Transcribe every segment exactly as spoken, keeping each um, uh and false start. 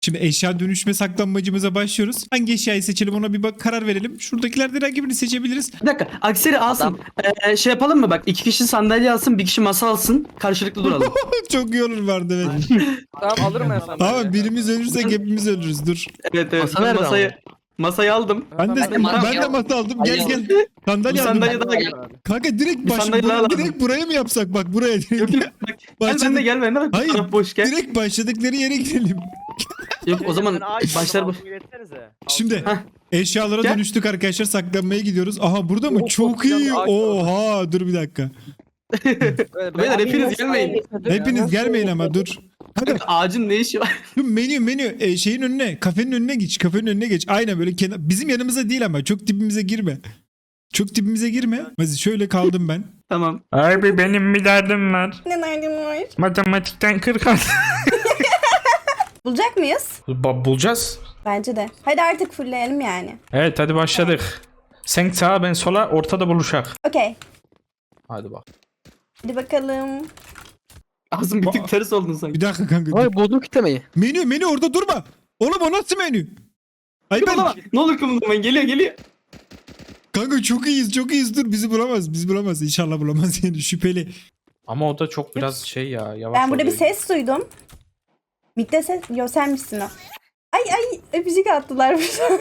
Şimdi eşya dönüşme saklanmacımıza başlıyoruz. Hangi eşyayı seçelim ona bir bak karar verelim. Şuradakilerden herhangi birini seçebiliriz. Bir dakika. Akseri alsın. Ee, şey yapalım mı bak? İki kişi sandalye alsın, bir kişi masa alsın. Karşılıklı duralım. Çok iyi olur vardı evet. Tamam alırım ben sana. Ama birimiz ölürsek hepimiz ölürüz dur. Evet evet. Masa Ben nerede masayı, masayı aldım. Ben de, Ben de ben masa de aldım. masa aldım. Gel Hayır. gel. Sandalye Bir aldım. sandalye daha gel. Kanka direkt Bir baş, sandalye daha bura- lazım. direkt buraya mı yapsak bak buraya direkt. Yok yok. Bak, gel Başladık. ben de gel ben de bak. Hayır, Taraf boş gel. Direkt başladıkları yere gidelim. Yok o zaman başlar bu. Şimdi Heh. eşyalara Gel. dönüştük arkadaşlar saklanmaya gidiyoruz. Aha burada mı? Oh, Çok çok güzel iyi. bir ağaç var. Oha dur bir dakika. Beyler hepiniz gelmeyin. Hepiniz gelmeyin ama dur. Kanka Ağacın ne işi var? şu menü menü e, şeyin önüne kafenin önüne geç kafenin önüne geç. Aynen böyle kenar, bizim yanımıza değil ama çok dibimize girme. Çok dibimize girme. Mazi şöyle kaldım ben. Tamam. Abi benim bir derdim var. Ne derdim var? Matematikten kırk aldım. Bulacak mıyız? Ba- Bulacağız. Bence de. Hadi artık fullleyelim yani. Evet hadi başladık. Sen sağa ben sola ortada buluşak. Okey. Hadi bak. Hadi bakalım. Ağzım bir Ba- tık ters oldun sanki. Bir dakika kanka. dur. Ay buldum kitlemeyi. Menü menü orada durma. Oğlum o nasıl menü? Ay ben Kımıldama. Ne olur kımıldama. Geliyor geliyor. kanka çok iyiyiz çok iyiyiz dur bizi bulamaz bizi bulamaz inşallah bulamaz yani şüpheli. Ama o da çok biraz şey ya yavaş Ben burada bir oluyor. ses duydum. Mikte ses. Yo sen misin o? Ay ay öpücük attılar burada.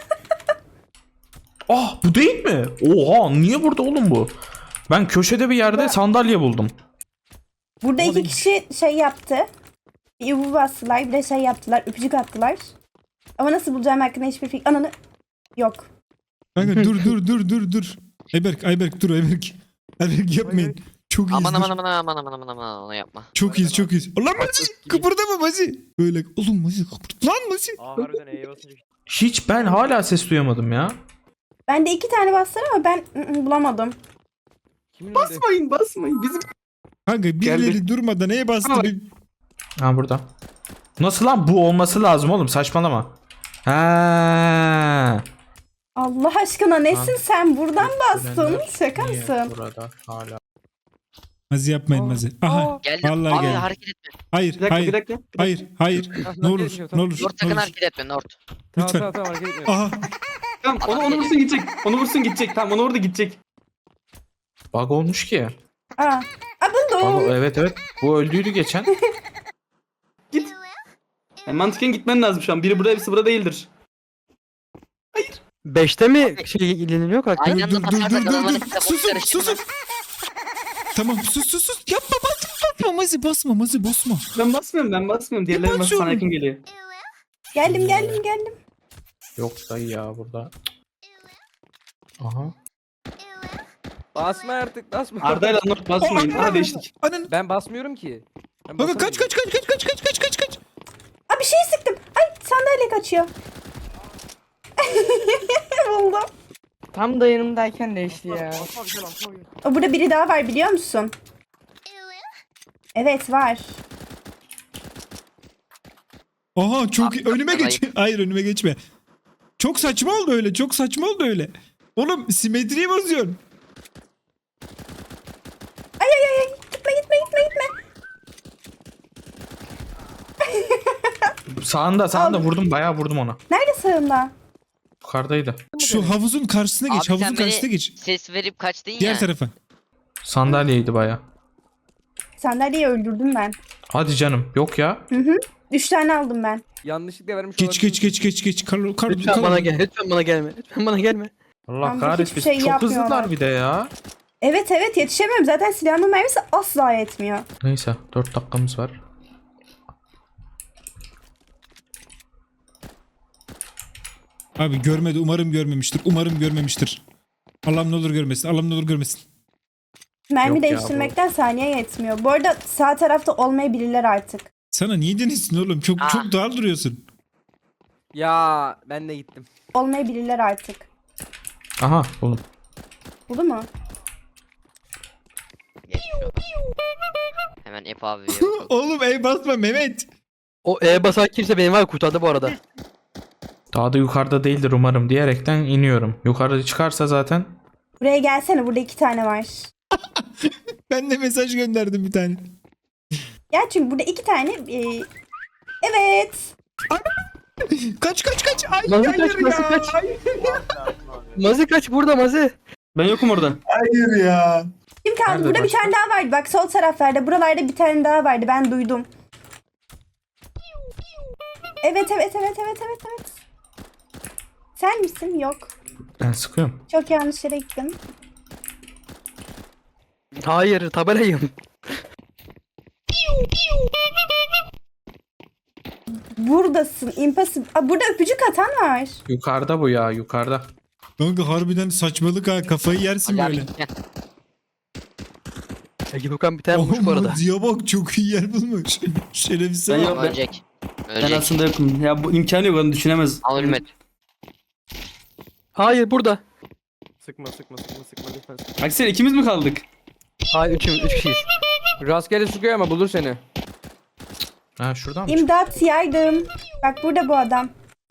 Ah bu değil mi? Oha niye burada oğlum bu? Ben köşede bir yerde sandalye buldum. Burada Ama iki ben- kişi şey yaptı. Bir yuvu bastılar bir de şey yaptılar. Öpücük attılar. Ama nasıl bulacağım hakkında hiçbir fikir. Ananı. Yok. Kanka dur dur dur dur dur. Ayberk Ayberk dur Ayberk. Ayberk yapmayın. Çok iyiyiz. Aman dur. aman aman aman aman aman aman onu yapma. Çok iyiyiz çok iyiyiz. Lan Mazi kıpırdama Mazi. Böyle oğlum Mazi kıpırt. Lan Mazi. Aa harbiden E'ye basınca. Hiç ben hala ses duyamadım ya. Ben de iki tane bastılar ama ben ı, ı, bulamadım. Kimin önünde? Basmayın basmayın. Bizim Kanka birileri Geldi. durmadan neye bastı? Ama- Bir... Ha burada. Nasıl lan bu olması lazım oğlum saçmalama. Ha. Allah aşkına nesin sen? Buradan bastın. Gelenler Şaka niye mısın? Burada hala. Mazi yapmayın Mazi. Aha. Geldim. Vallahi Abi geldi. hareket etme. Hayır bir dakika hayır. bir dakika. Hayır hayır. Ne olur ne olur. Nort Ne sakın olur. hareket etme Nort. Tamam Lütfen. tamam tamam hareket etmiyor. Aha. Tamam onu, onu vursun gidecek. Onu vursun gidecek. Tamam onu orada gidecek. Bug olmuş ki. Aa. Aa Bug, buldum. evet evet. Bu öldüydü geçen. Git. Yani mantıken gitmen lazım şu an. Biri burada hepsi burada değildir. Beşte mi şey ileniliyor karakter? Aynı Dur anda dur dur basarsak dur dur. adamların dur. kafası Susun karışır susun. Tamam sus sus sus. Yapma basma basma Mazi basma Mazi basma. Ben basmıyorum ben basmıyorum. Diğerleri bas basıyorum? sana yakın geliyor. Geldim geldim geldim. Yok dayı ya burada. Aha. Basma artık basma. Arda ile Anor basmayın. Aa, Aha değiştik. Anan. Ben basmıyorum ki. Ben Kanka kaç basamıyorum. kaç kaç kaç kaç kaç kaç kaç kaç. Aa bir şey sıktım. Ay sandalye kaçıyor. Buldum. Tam da yanımdayken değişti ya. Basma güzel basma güzel. O burada biri daha var biliyor musun? Evet var. Aha çok iyi. Abi, Önüme ben geç. Hayır önüme geçme. Çok saçma oldu öyle. Çok saçma oldu öyle. Oğlum simetriyi bozuyorsun. Ay ay ay ay. Gitme gitme gitme gitme. Sağında sağında Aldım. vurdum bayağı vurdum ona. Nerede sağında? Yukarıdaydı. Şu havuzun karşısına geç. Abi Havuzun sen beni karşısına geç. ses verip kaçtın Diğer ya. tarafa. Sandalyeydi bayağı. Sandalyeyi öldürdüm ben. Hadi canım. Yok ya. Hı hı. Üç tane aldım ben. Yanlışlıkla vermiş Geç olabilirim. geç geç geç geç. Kar, kar, Lütfen kar- bana gel. Lütfen bana gelme. Lütfen bana gelme. Allah Tam da kahretsin. hiçbir şey Çok yapmıyorlar. hızlılar bir de ya. Evet evet yetişemiyorum. Zaten silahımın mermisi asla yetmiyor. Neyse dört dakikamız var. Abi görmedi. Umarım görmemiştir. Umarım görmemiştir. Allah'ım ne olur görmesin. Allah'ım ne olur görmesin. Mermi Yok ya, değiştirmekten saniye yetmiyor. Bu arada sağ tarafta olmayabilirler artık. Sana niye denizsin oğlum? Çok Ah. çok doğal duruyorsun. Ya ben de gittim. Olmayabilirler artık. Aha buldum. Buldu mu? Geçmiş olsun. Hemen Ep abi yok. Oğlum ey basma Mehmet. O E basan kimse beni var kurtardı bu arada. Daha da yukarıda değildir umarım diyerekten iniyorum. Yukarıda çıkarsa zaten. Buraya gelsene. Burada iki tane var. Ben de mesaj gönderdim bir tane. Gel çünkü burada iki tane... e, Evet. Kaç kaç kaç. Ay Mazi hayır kaç, Mazi ya. kaç. Hayır, Mazi kaç burada Mazi. Ben yokum orada. hayır ya. Kim kaldı? Nerede Burada bir başka? tane daha vardı. Bak sol taraflarda. Buralarda bir tane daha vardı. Ben duydum. Evet evet evet evet evet evet. Sen misin? Yok. Ben sıkıyorum. Çok yanlış yere gittim. Hayır tabelayım. Buradasın. Impossible. Aa, burada öpücük atan var. Yukarıda bu ya yukarıda. Kanka harbiden saçmalık ha. Kafayı yersin Ali abi böyle. gel. Ege Furkan bir tane bulmuş bu arada. Mazi'ye bak çok iyi yer bulmuş. Şerefsiz. Ben bak. yok. ben- Ölecek. Ben Ölecek. aslında yokum. Ya bu imkanı yok, onu düşünemez. Al ölmedi. Hayır burada. Sıkma sıkma sıkma sıkma lütfen sıkma. Aksel ikimiz mi kaldık? Hayır üçümüz, üç kişiyiz. Rastgele sıkıyor ama bulur seni. Ha şuradan mı? İmdat yardım. Bak burada bu adam.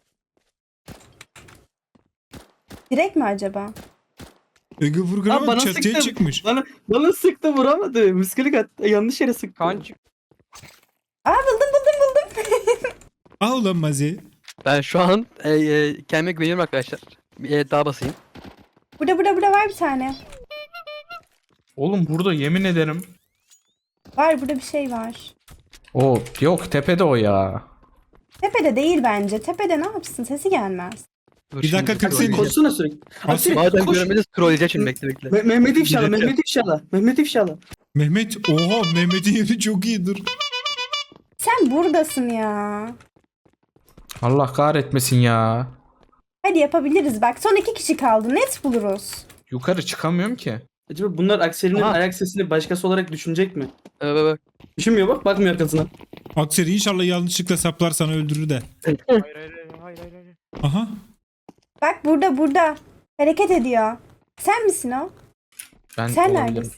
Direkt mi acaba? Ege Furkan'a Aa, bak bana çatıya sıktı. çıkmış. Bana, bana sıktı, vuramadı. Miskilik attı. Yanlış yere sıktı. Kan çık. Aa buldum buldum buldum. Ah ulan Mazi. Ben şu an e, e, kendime güveniyorum arkadaşlar. Bir e, daha basayım. Burada burada burada var bir tane. Oğlum burada yemin ederim. Var burada bir şey var. O yok tepede o ya. Tepede değil bence. Tepede ne yapsın? Sesi gelmez. Dur Bir şimdi dakika, kırk troll- saniye. Koşsana sürekli. Aksel Madem koş. göremediniz trolleyeceğim şimdi bekle bekle. Me- Mehmet İfşala, Bir dakika. Mehmet İfşala. Mehmet İfşala. Mehmet. Oha Mehmet'in yeri çok iyi dur. Sen buradasın ya. Allah kahretmesin ya. Hadi yapabiliriz bak. Son iki kişi kaldı. Net buluruz. Yukarı çıkamıyorum ki. Acaba bunlar Aksel'in Aha. ayak sesini başkası olarak düşünecek mi? Evet bak. Düşünmüyor bak, bakmıyor arkasına. Akseri inşallah yanlışlıkla saplar sana öldürür de. Hayır hayır hayır hayır hayır. hayır. Aha. Bak burada burada. Hareket ediyor. Sen misin o? Ben Sen olabilirim. neredesin?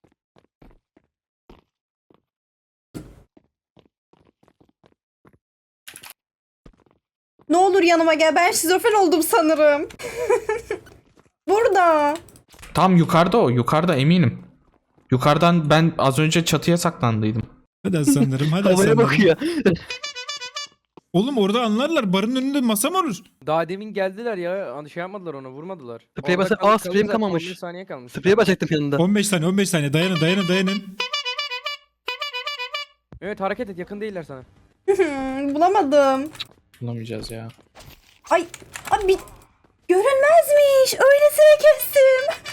Ne olur yanıma gel. Ben şizofren oldum sanırım. Burada. Tam yukarıda o. Yukarıda eminim. Yukarıdan ben az önce çatıya saklandıydım. Hadi aslanlarım hadi Havaya aslanlarım. bakıyor. Oğlum orada anlarlar. Barın önünde masa mı olur? Daha demin geldiler ya. Hani şey yapmadılar ona, vurmadılar. Spreye Orada basa- kaldı- Aa, kaldı spreyim zaten, kalmamış. on beş saniye kalmış. Spreye basacaktım yanında. on beş saniye on beş saniye dayanın dayanın dayanın. Evet hareket et, yakın değiller sana. Bulamadım. Bulamayacağız ya. Ay abi görünmezmiş. Öylesine kestim.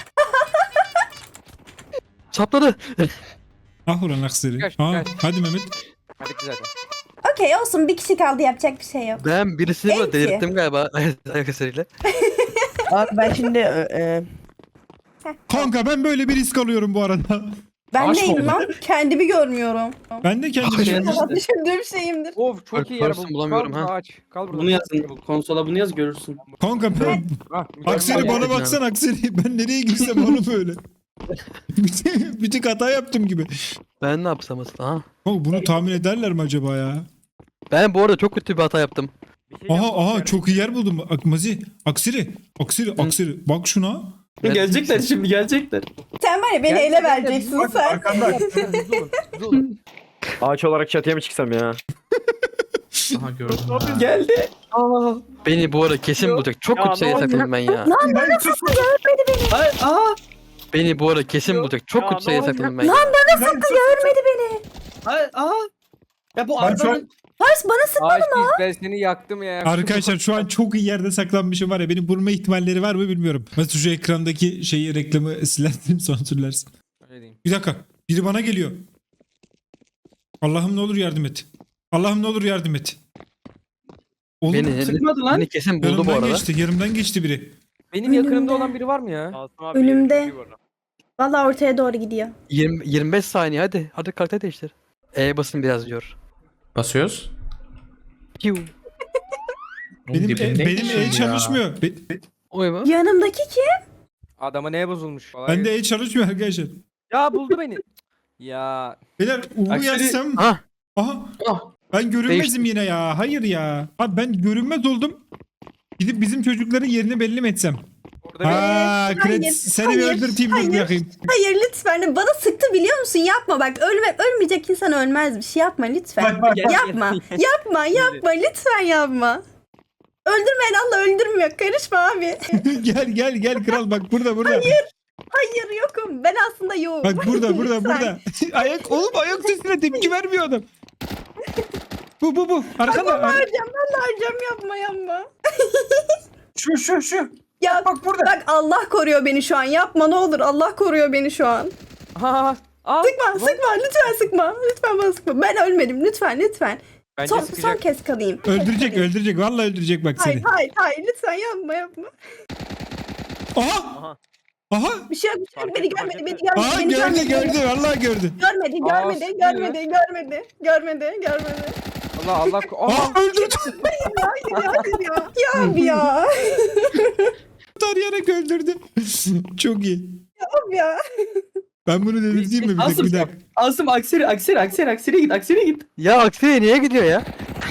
Sapladı. Ah ulan akseri. Kaç, Aa, kaç. hadi Mehmet. Ha bitti zaten. Okey olsun bir kişi kaldı yapacak bir şey yok. Ben birisini böyle Enti. delirttim galiba ayak eseriyle. Abi ben şimdi e, e, Kanka ben böyle bir risk alıyorum bu arada. Ben Aşk neyim oldu. lan? Kendimi görmüyorum. Ben de kendimi Ay, düşünmüştüm. Düşündüğüm şeyimdir. Of çok Bak, iyi yer Pars'ı buldum. bulamıyorum Kal ha. burada, aç. Kal burada. Bunu yazın. Konsola bunu yaz, görürsün. Kanka ben... Ah, Akseri mükemmel. bana baksana Akseri. Ben nereye girsem onu böyle. bir, tek- bir tek hata yaptım gibi. Ben ne yapsam aslında? Aha. Kanka bunu tahmin ederler mi acaba ya? Ben bu arada çok kötü bir hata yaptım. Bir şey Aha yapmam aha yani. çok iyi yer buldum. Akmazi. Akseri. Akseri. Akseri. Bak şuna. Ben- Gelecekler şimdi, gelecekler. Sen var ya beni Gel- ele gel- vereceksin Bak, sen. arkanda, arkanda, hızlı olun, hızlı olun. Ağaç olarak çatıya mı çıksam ya? Aha gördüm ya. Geldi. Aa. Beni bu arada kesin bulacak. Çok Ya kötü sayı ne sakladım ben ya. Ay, aa. Beni bu arada kesin bulacak. Çok Ya kötü sayı ne sakladım ben ya. Görmedi beni. Ay, aa. Ya bu Ben şu an- arabanın... Pars bana sık. Ağaç biz, ben seni yaktım ya. Arkadaşlar şu an çok iyi yerde saklanmışım var ya. Beni bulma ihtimalleri var mı bilmiyorum. Mesela şu ekrandaki şeyi reklamı silersin sansürlersin. Öyle diyeyim. Bir dakika. Biri bana geliyor. Allah'ım ne olur yardım et. Allah'ım ne olur yardım et. Oğlum Beni, Sıkmadı lan. beni kesin buldu bu yanımdan arada. geçti. Yanımdan geçti biri. Benim Önümde. yakınımda olan biri var mı ya? Asım abi Önümde. yerim çok iyi bu arada. Valla ortaya doğru gidiyor. yirmi, yirmi beş saniye hadi. Hadi karakter değiştir. E basın biraz diyor. Basıyoruz. Piu. Oğlum Benim dibinde e, benim geçiyor el ya. çalışmıyor. Be- Oy mu? Yanımdaki kim? Adama neye bozulmuş? Kolay bende gelsin. el çalışmıyor arkadaşlar. Ya buldu beni. Ya Beyler Uğur'u Akseri- yazsam. Ha. Aha. Ah. Ben görünmezim Değişti. yine ya. Hayır ya. Abi ben görünmez oldum. Gidip bizim çocukların yerini belli mi etsem? orada Burada bir... Aa, Hayır, Kret seni bir hayır, öldürteyim dur hayır. bakayım. Hayır lütfen bana sıktı biliyor musun? Yapma bak ölme, ölmeyecek insan ölmezmiş. Yapma lütfen. Bak bak bak. Yapma. Yapma yapma lütfen yapma. Öldürmeyen Allah öldürmüyor. Karışma abi. gel gel gel kral bak burada burada. Hayır yokum. Ben aslında yokum. Bak burada burada Lütfen. burada. ayak oğlum ayak sesine tepki vermiyor adam. Bu bu bu. Arkada. ar- Harcam ben harcam yapma yapma. Şu şu şu. Ya Bak burada. bak Allah koruyor beni şu an. Yapma ne olur. Allah koruyor beni şu an. Ha, aa, Sıkma sıkma lütfen sıkma. Lütfen bana sıkma. Ben ölmedim lütfen lütfen. Bence Son, son sıkacak. kez kalayım. Öldürecek öldürecek. Vallahi öldürecek bak Hayır seni. hayır hayır lütfen yapma yapma. Aha. Aha. Bir şey yok bir şey yok. Beni görmedi beni görmedi. Aha beni gördü görmedi. gördü. Vallahi gördü. Görmedi Aa, görmedi sıkıyor. görmedi görmedi görmedi görmedi. Allah Allah. Aa, Aa öldürdü. Hayır ya hayır ya. Ya abi ya. Tarayarak öldürdü. Çok iyi. Abi ya. Ben bunu delirteyim mi bir dakika Asım, bir dakika. Asım akseri akseri akseri akseri git akseri git. Ya Aksine niye gidiyor ya?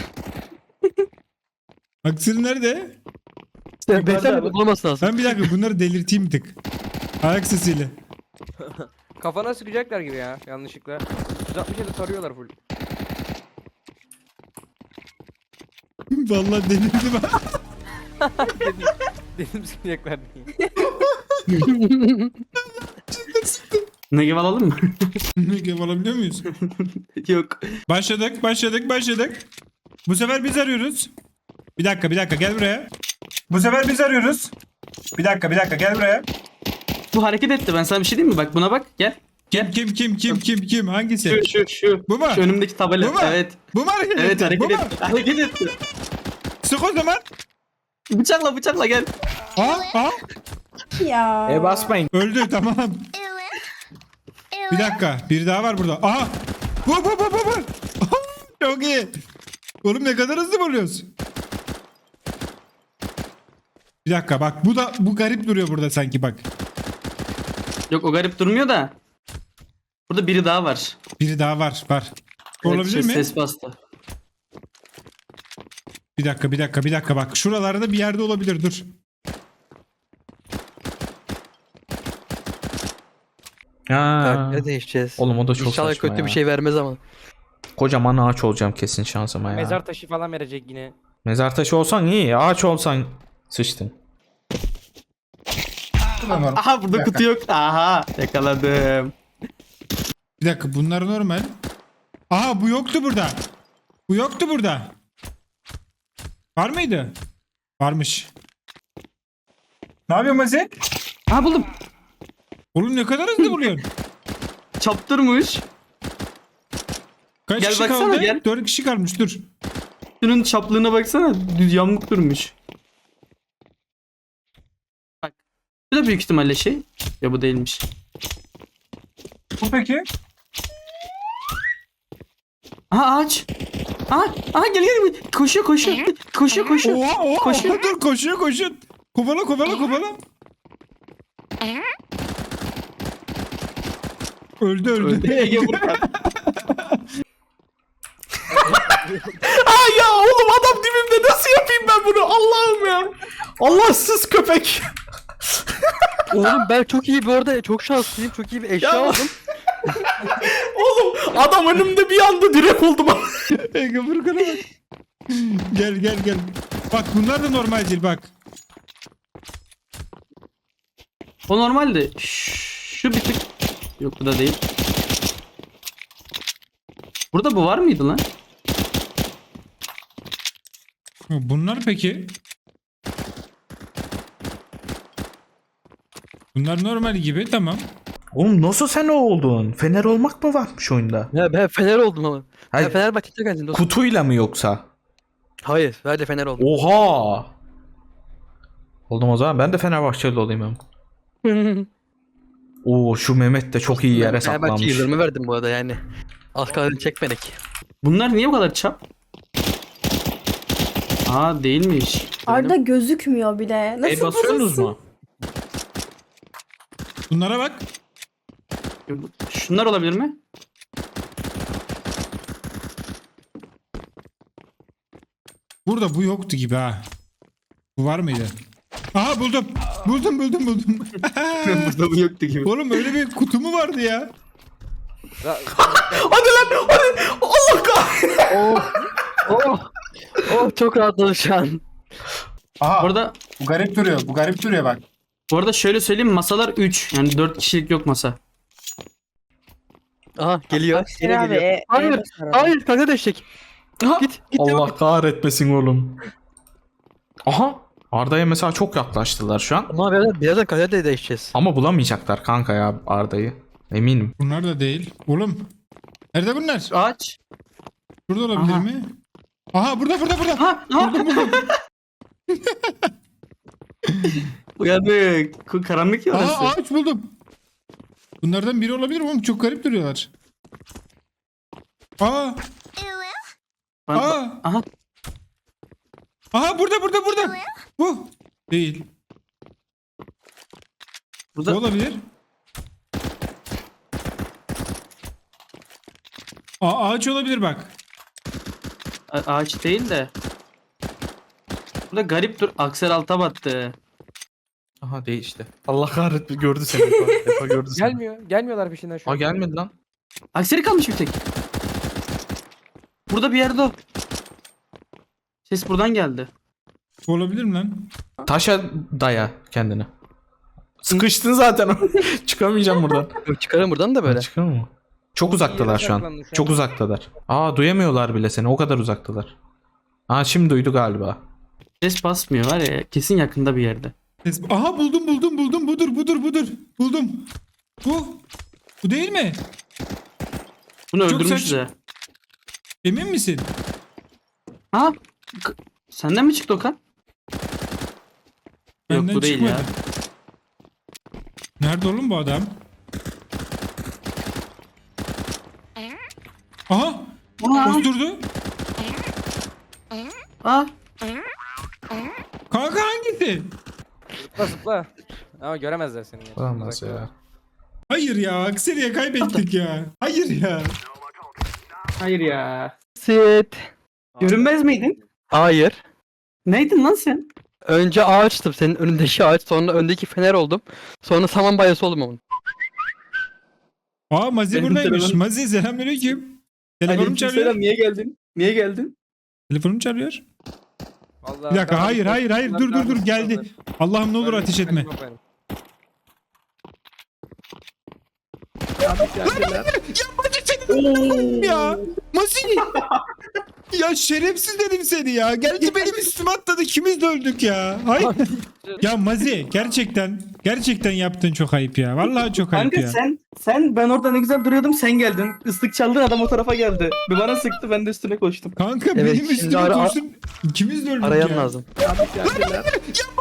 Aksiri nerede? Sen beyefendi bulunması lazım. Ben bir dakika bunları delirteyim bir tık. Ayak sesiyle. kafana sıkacaklar gibi ya yanlışlıkla. yüz altmış yedi tarıyorlar full. Vallahi delirdim ha. dedim, dedim sıkacaklar diye. Negev alalım mı? Ne alabiliyor muyuz? Yok. Başladık, başladık, başladık. Bu sefer biz arıyoruz. Bir dakika, bir dakika gel buraya. Bu sefer biz arıyoruz. Bir dakika, bir dakika gel buraya. Bu hareket etti ben sana bir şey diyeyim mi? Bak buna bak gel. Kim, kim, kim, kim, kim, kim? Hangisi? Şu şu şu. Bu mu? Şu önümdeki tabela. Bu mu? Evet. Bu mu hareket Evet etti? hareket Bu mu? etti. Hareket etti. Sık o zaman. Bıçakla bıçakla gel. Aa, aa. Ya. E basmayın. Öldü, tamam. Bir dakika, bir daha var burada. Aha. Bu, bu, bu, bu, bu. Çok iyi. Oğlum ne kadar hızlı vuruyoruz. Bir dakika bak bu da bu garip duruyor burada sanki bak. Yok o garip durmuyor da. Burada biri daha var. Biri daha var var. Evet, Olabilir ses, mi? Ses bastı. Bir dakika bir dakika bir dakika bak. Şuralarda bir yerde olabilir dur. Ha. Ne değişeceğiz? Oğlum o da çok İnşallah saçma kötü ya. bir şey vermez ama. Kocaman ağaç olacağım kesin şansıma ya. Mezar taşı falan verecek yine. Mezar taşı olsan iyi. Ağaç olsan sıçtın. Aha burada kutu yok. Aha yakaladım. Bir dakika bunlar normal. Aha bu yoktu burada. Bu yoktu burada. Var mıydı? Varmış. Ne yapıyorsun Mazi? Aha buldum. Oğlum ne kadar hızlı buluyorsun. Çaptırmış. Kaç Gel kişi baksana, kaldı? gel. Dört kişi kalmış dur. Şunun çaplığına baksana. Düz yamuk durmuş. Bak. Bu da büyük ihtimalle şey. Ya bu değilmiş. Bu peki? Aha ağaç. Aha, aha gel gel. Koşuyor koşuyor. Koşuyor koşuyor. Oha oha, Koşuyor. oha dur koşuyor koşuyor. Kovala kovala kovala. Öldü öldü. Ege vurdu. Ay ya oğlum adam dibimde nasıl yapayım ben bunu Allah'ım ya. Allahsız köpek. Oğlum ben çok iyi bir orada çok şanslıyım. Çok iyi bir eşya Ya. aldım. Oğlum adam önümde bir anda direkt oldum. Ege Furkan'a bak. Gel gel gel. Bak bunlar da normal değil bak. O normaldi. Şu bir tık. Yok bu da değil. Burada bu var mıydı lan? Bunlar peki? Bunlar normal gibi tamam. Oğlum nasıl sen o oldun? Fener olmak mı varmış oyunda? Ya ben Fener oldum ama. Hayır, Ben Fenerbahçe'de geldim dostum. kutuyla mı yoksa? Hayır, sadece Fener oldum. Oha. Oldum o zaman ben de Fenerbahçeli olayım hem. Oo şu Mehmet de çok iyi yere Ben saklanmış. Fenerbahçe yıldırımı verdim bu arada yani. Az kaldı çekmedik. Bunlar niye bu kadar çap? Aa değilmiş. Arda gözükmüyor bile. Nasıl E basıyorsunuz bozulsun? mu? Bunlara bak. Şunlar olabilir mi? Burada bu yoktu gibi ha. Bu var mıydı? Aha buldum. Buldum buldum buldum. Burada bu yoktu gibi. Oğlum öyle bir kutu mu vardı ya? Ra- Hadi lan hadi. Allah kahretsin. Oh. Oh. Oh çok rahatladım şu an. Aha Bu arada, bu garip duruyor. Bu garip duruyor bak. bu arada şöyle söyleyeyim, masalar üç. Yani dört kişilik yok masa. Aha geliyor. Aksine Yine abi. geliyor. E, Hayır. e basar abi. Hayır kanka değişecek. Git. Git. Allah kahretmesin oğlum. Aha. Arda'ya mesela çok yaklaştılar şu an. Ama birazdan, birazdan kalite de değişeceğiz. Ama bulamayacaklar kanka ya Arda'yı. Eminim. Bunlar da değil. Oğlum. Nerede bunlar? Ağaç. Burada olabilir Aha. mi? Aha burada burada burada. Ha, ha. Uyandık. Ku- Karanlık ya orası. Aha ağaç buldum. Bunlardan biri olabilir mi oğlum? Çok garip duruyorlar. Aa. Bak- Aa. Aha. Aha burada burada burada. Bu. Değil. Burada Bu olabilir. Aa, ağaç olabilir bak. A- ağaç değil de. Burada garip dur. Aksel alta battı. Aha değişti. Allah kahretme gördü seni. Efa, Efa gördü seni. Gelmiyor. Gelmiyorlar peşinden şu Aa an. gelmedi lan. Akseli kalmış bir tek. Burada bir yerde o. Ses buradan geldi. Bu olabilir mi lan? Taşa daya kendini. Sıkıştın zaten. Çıkamayacağım buradan. Yok, çıkarım buradan da böyle. Çıkar mı? Çok uzaktalar şu an. saklandı şu an. Çok uzaktalar. Aa duyamıyorlar bile seni. O kadar uzaktalar. Aa şimdi duydu galiba. Ses basmıyor var ya. Kesin yakında bir yerde. Ses- Aha buldum buldum buldum. Budur budur budur. Buldum. Bu. Bu değil mi? Bunu Çok öldürmüşüz saç- ya. Emin misin? Ha? K- Senden mi çıktı Okan? Yok Benden bu değil çıkmadı. ya. Nerede oğlum bu adam? Aha. Aa, Osturdu. aa. Kanka hangisi? Zıpla zıpla. Ama göremezler seni. ya. Olamaz Uzakta. ya. Hayır ya. Akseriye kaybettik ya. Hayır ya. Hayır ya. Sit. Görünmez miydin? Hayır. Neydin lan sen? Önce ağaçtım senin önündeki ağaç, sonra öndeki fener oldum. Sonra saman bayası oldum onun. Aa Mazi Benim buradaymış. telefonum- Mazi selamünaleyküm. Telefonum çalıyor. Niye geldin? Niye geldin? Telefonum çalıyor. Vallahi Bir dakika ben- hayır hayır hayır dur dur dur geldi. Allah'ım ne olur ateş etme. Ya Mazi. Ya şerefsiz dedim seni ya. Geldi benim üstüme atladı. İkimiz de öldük ya. Hayır. Ya Mazi gerçekten gerçekten yaptın çok ayıp ya. Vallahi çok ayıp Kanka ya. sen sen ben orada ne güzel duruyordum sen geldin. Islık çaldın adam o tarafa geldi. Bir bana sıktı ben de üstüne koştum. Kanka Evet, benim şimdi üstüme ara- koştun. İkimiz de öldük Arayan ya. lazım. Ya